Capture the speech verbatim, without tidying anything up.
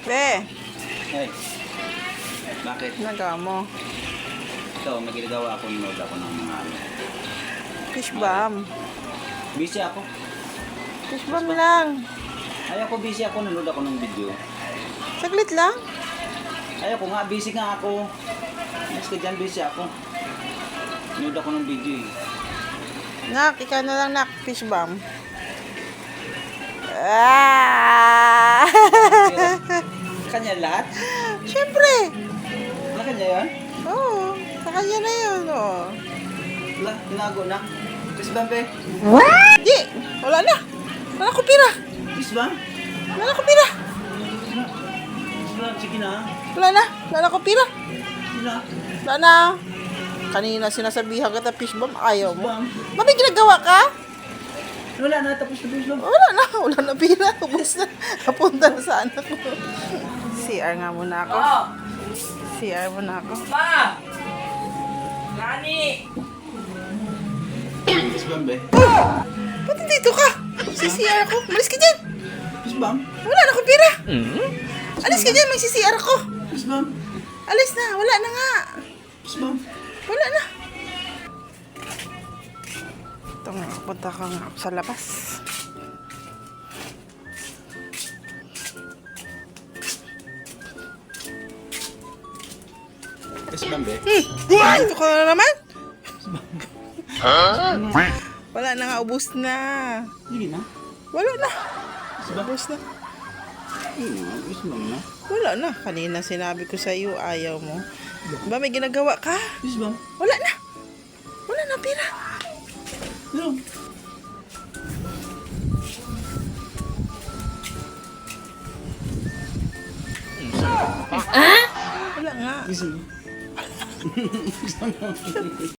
Be, Ay, bakit? nagawa mo. Ito, may ginagawa ako, nanood ako ng mga ano. Fish bomb. Busy ako. Fish bomb lang. Ay ako, busy ako, nanood ako ng video. Saglit lang. Ay ako nga, busy nga ako. Mas ka dyan, busy ako. Nanood ako ng video eh. Nak, ikaw na lang, nak. Fish bomb. Ah! Kanya lahat? Siyempre. Wala kanya yan? Oo. Sa kanya na yun, oo. Wala, tinago na. Kiss ba, be? Di, wala na. Wala na kupira. Kiss ba? Wala na kupira. Kiss ba? Sige na. Wala na. Wala na kupira. Sige na. Wala na. Kanina sinasabihan kita, fish bomb. Ayaw mo. Bang. Mami, ginagawa ka? Wala na, tapos na kiss ba? Wala na. Wala na pira. Ubus na. Napunta na sa anak ko. C R nga muna ako. C R muna ako. Ma! Nani! Kiss ba, be? Ba't dito ka? Sa C R ako. Malis ka dyan. Kiss ba? Wala na akong pira. Alis ka dyan. May C C R ako. Kiss ba? Alis na. Wala na nga. Kiss ba? Wala na. Ito nga. Punta ka nga ako sa labas. Kiss ba, be? Hmm. Dito ka na naman. Wala na nga. Ubus na. Sige na. Wala na. Kiss ba? Ubus na. Sige na, kiss ba na? Wala na. Kanina sinabi ko sa iyo, ayaw mo. Ba may ginagawa ka? Kiss ba? Wala na. Wala na pira. No. Wala nga. Kiss mo.